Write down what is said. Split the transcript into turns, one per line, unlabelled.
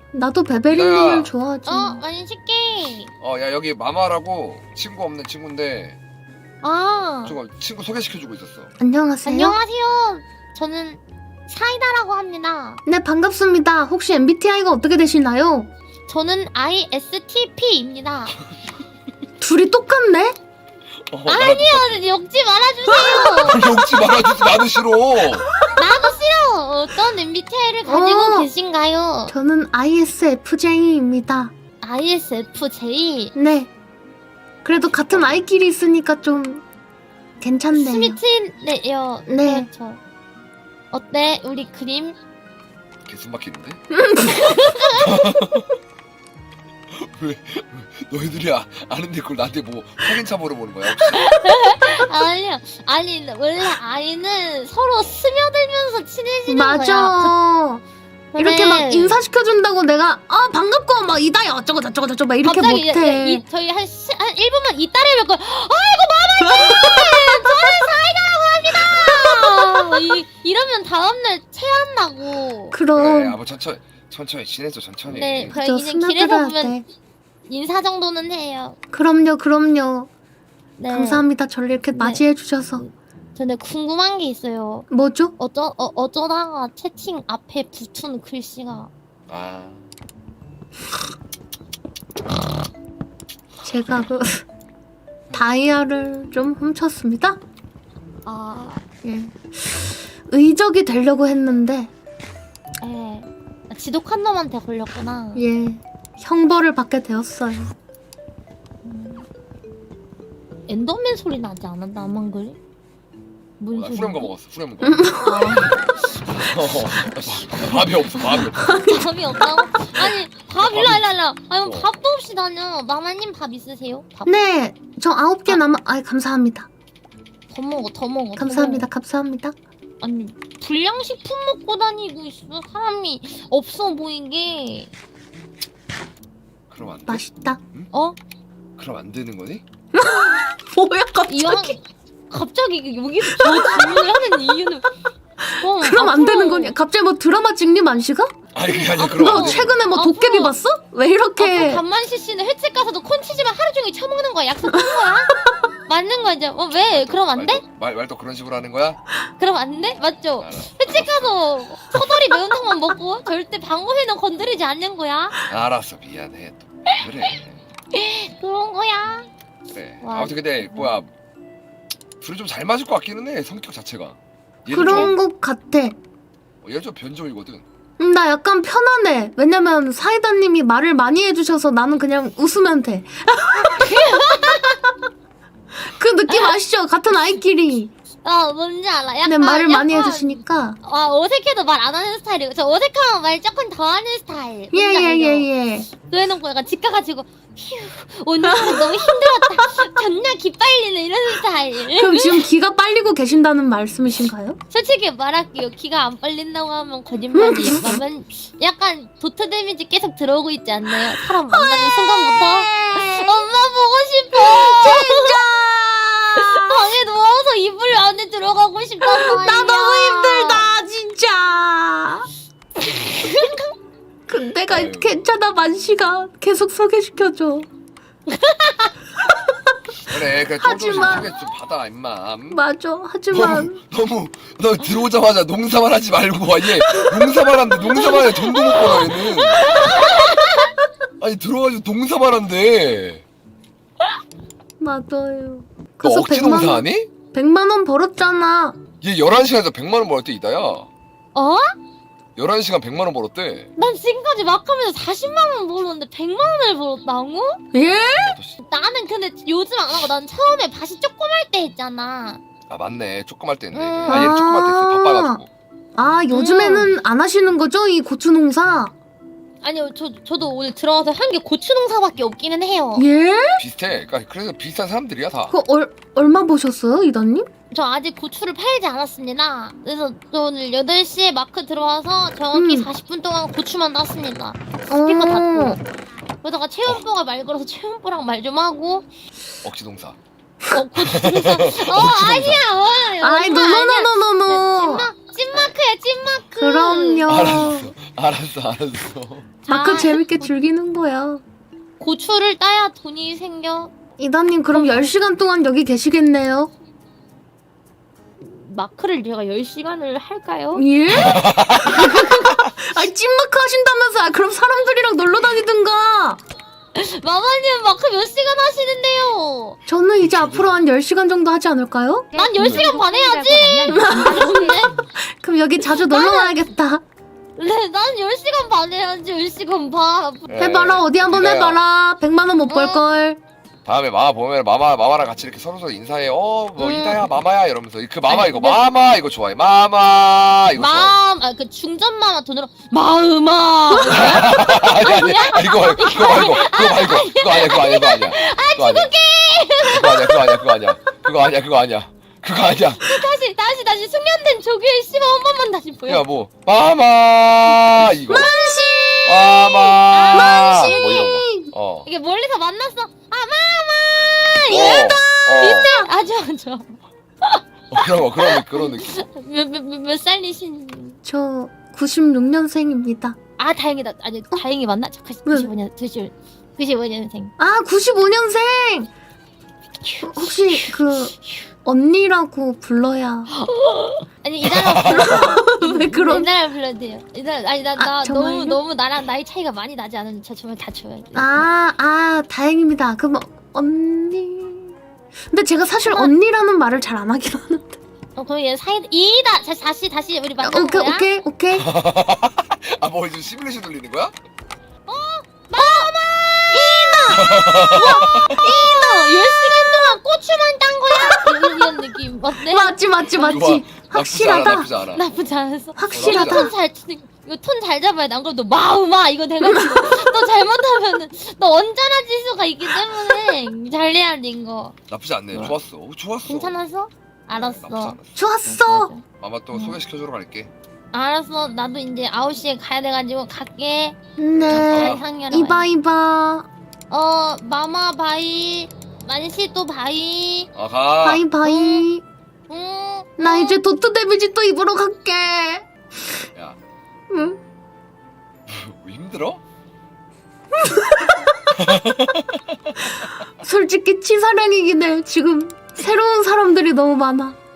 나도 베베리님을 좋아하지.
맛있게.
야 여기 마마라고 친구 없는 친구인데 저거 친구 소개시켜주고 있었어.
안녕하세요.
안녕하세요. 저는 사이다라고 합니다.
네, 반갑습니다. 혹시 MBTI가 어떻게 되시나요?
저는 ISTP입니다.
둘이 똑같네?
아니요, 욕지 말아주세요.
욕지 말아주지 나도 싫어.
나도 싫어. 어떤 MBTI를 가지고 계신가요?
저는 ISFJ입니다.
ISFJ.
네. 그래도 같은 아이끼리 있으니까 좀 괜찮네요.
스미트네요.
네.
그렇죠. 어때? 우리 그림?
개숨 막히는데? 왜 너희들이 아는데 그걸 나한테 뭐 확인차 물어보는 거야 혹시?
아니요. 아니 원래 아이는 서로 스며들면서 친해지는 거야.
맞아. 이렇게 막 인사시켜준다고 내가 반갑고 막 이다야 어쩌고 저쩌고 저쩌고 막 이렇게
갑자기
못해.
저희 한 1분만 이따를 뵙고 아이고 마마님! 저는 사이다라고 합니다! 이러면 다음날 체한다고.
그럼.
뭐 천천히 친해져 천천히.
네,
그죠,
그냥 길에서
스며들어야
보면
돼.
인사 정도는 해요.
그럼요.
네.
감사합니다. 저를 이렇게 맞이해 주셔서.
근데 궁금한 게 있어요.
뭐죠?
어쩌다가 채팅 앞에 붙은 글씨가
제가 다이아를 좀 훔쳤습니다. 예. 의적이 되려고 했는데
지독한 놈한테 걸렸구나.
예. 형벌을 받게 되었어요.
엔더맨 소리 나지 않았나 아만 그래? 뭔
나
소리?
후렴가 먹었어 후렴가. 밥이 없어.
밥이 없다고? 아니 밥 일로. 아니 밥도 없이 다녀. 마마님 밥 있으세요? 밥?
네. 저 9개 남아. 감사합니다.
더 먹어.
감사합니다.
아니 불량식품 먹고 다니고 있어. 사람이 없어 보이게.
그럼 안 돼?
맛있다.
그럼 안 되는 거니?
뭐야
이왕 갑자기 여기서 저 질문을 하는 이유는
그럼 안 되는 거냐? 갑자기 뭐 드라마 찍니 만시가?
아니 그게 아니라 그럼
너 최근에 뭐 도깨비 봤어? 왜 이렇게?
간만시 씨는 횟집 가서도 콘치즈만 하루 종일 처먹는 거야. 약속한 거야? 맞는 거죠? 왜? 그럼 안 돼?
말도 그런 식으로 하는 거야?
그럼 안 돼? 맞죠? 횟집 가서 서다리 매운탕만 먹고 절대 방어회는 건드리지 않는 거야.
알았어 미안해 또 그래.
그런 거야.
그래.
와.
아무튼 근데 뭐야 둘이 좀 잘 맞을 것 같기는 해 성격 자체가.
그런 것 같아.
얘 좀 변종이거든.
나 약간 편하네. 왜냐면 사이다님이 말을 많이 해주셔서 나는 그냥 웃으면 돼. 그 느낌 아시죠? 같은 아이끼리.
뭔지 알아. 약간
근데 말을 많이 해주시니까.
어색해도 말 안 하는 스타일이고 저 어색하면 말 조금 더 하는 스타일.
예.
그래놓고 약간 집 가가지고 휴 오늘 하루 너무 힘들었다. 존나 기빨리는 이런 스타일.
그럼 지금 기가 빨리고 계신다는 말씀이신가요?
솔직히 말할게요. 기가 안 빨린다고 하면 거짓말이에요. 그러면 약간 도트 데미지 계속 들어오고 있지 않나요? 사람 만나는 순간부터 엄마 보고 싶어.
진짜.
방에 누워서 이불 안에 들어가고 싶단 말이야.
나 너무 힘들다 진짜. 근데 괜찮아 만시가 계속 소개시켜줘.
그래 조금씩 소개 좀 받아 임마.
맞아. 하지만
너무 너 들어오자마자 농사만 하지 말고 얘 농사만 한대. 농사만 해 돈도 못 벌어 얘는. 아니 들어와가지고 농사만 한대.
맞아요.
너
그래서
억지 농사하니?
100만 원 벌었잖아.
얘 11시간에서 100만 원 벌었대 이다야. 11시간 100만 원 벌었대.
난 지금까지 막 하면서 40만 원 벌었는데 100만 원을 벌었다고?
예?
나는 근데 요즘 안 하고 난 처음에 밭이 조그말 때 했잖아.
맞네 조그말 때 했네. 얘 조그말 때 했어 바빠가지고.
요즘에는 안 하시는 거죠? 이 고추 농사?
아니요 저도 오늘 들어가서 한 게 고추 농사밖에 없기는 해요.
예?
비슷해. 그러니까 그래서 비슷한 사람들이야 다.
얼마 보셨어요, 이다님?
저 아직 고추를 팔지 않았습니다. 그래서 저 오늘 8시에 마크 들어와서 정확히 40분 동안 고추만 땄습니다. 스피커 닫고. 그러다가 체온보가 말 걸어서 체온보랑 말 좀 하고.
억지 농사.
고추 농사. 아니야.
아이, 노노노노노노.
찐마크야 찐마크.
그럼요.
알았어.
마크
자,
재밌게 즐기는 거야.
고추를 따야 돈이 생겨.
이다님 그럼 10시간 동안 여기 계시겠네요?
마크를 제가 10시간을 할까요?
예? 아니 찐마크 하신다면서. 아, 그럼 사람들이랑 놀러 다니든가.
마마님 마크 몇 시간 하시는데요?
저는 이제 앞으로 한 10시간 정도 하지 않을까요?
난 10시간 반 해야지.
그럼 여기 자주 놀러 와야겠다.
네, 난 10시간 반 해야지. 10시간 반.
해봐라. 어디 한번
이다야,
해봐라. 100만 원 못 벌걸.
다음에 마마 보면 마마랑 같이 이렇게 서로 인사해. 뭐 이다야 마마야 이러면서 그 마마
아니,
이거
근데-
마마 이거 좋아해. 마마 이거 좋아해.
그 중전 마마 돈으로 마음아.
아니 이거 말고 그거 아니야. 그거 아니야.
다시 숙련된 조교의 씨발 한 번만 다시 보여.
야 뭐 마마 이거 마마 뭐 이런 거.
이게 멀리서 만났어. 아 마마. 좋아.
그런 느낌.
몇 살이신?
저 96년생입니다.
아 다행이다. 아니 다행히 만나. 저 95년생.
아 95년생. 혹시 그 언니라고 불러야.
아니 이달아 불러.
왜 그런?
이달아 불러도 돼요. 이달아 아니 나
정말요?
너무 나랑 나이 차이가 많이 나지 않은 저 정말 다 줘야 돼.
다행입니다. 그럼 언니. 근데 제가 사실 언니라는 말을 잘 안 하긴 하는데.
그럼 얘 사이 이다. 다시 우리 만나는 거야.
오케이.
아 뭐 이제 시뮬레이션 돌리는 거야?
이나 10시간 동안 고추만 딴 거야? 이런 느낌 어때?
맞지. 확실하다.
나쁘지 않아.
나쁘지 않았어.
확실하다.
이거 톤 잘 잡아야 돼. 안 그럼 너 마음아 이거 돼가지고 너 잘못하면은 너 언짢아질 수가 있기 때문에 잘 해야 돼 이거.
나쁘지 않네. 좋았어.
괜찮았어? 알았어.
나쁘지 않았어.
좋았어.
마마 또 소개시켜주러 갈게.
알았어. 나도 이제 9시에 가야 돼가지고 갈게.
네.
상렬아.
이봐.
마마 바이. 만시 또 바이.
가.
바이.
응.
나 이제 도트 데미지 또 입으러 갈게.
야,
응?
뭐 힘들어?
솔직히 치사량이긴 해. 지금 새로운 사람들이 너무 많아.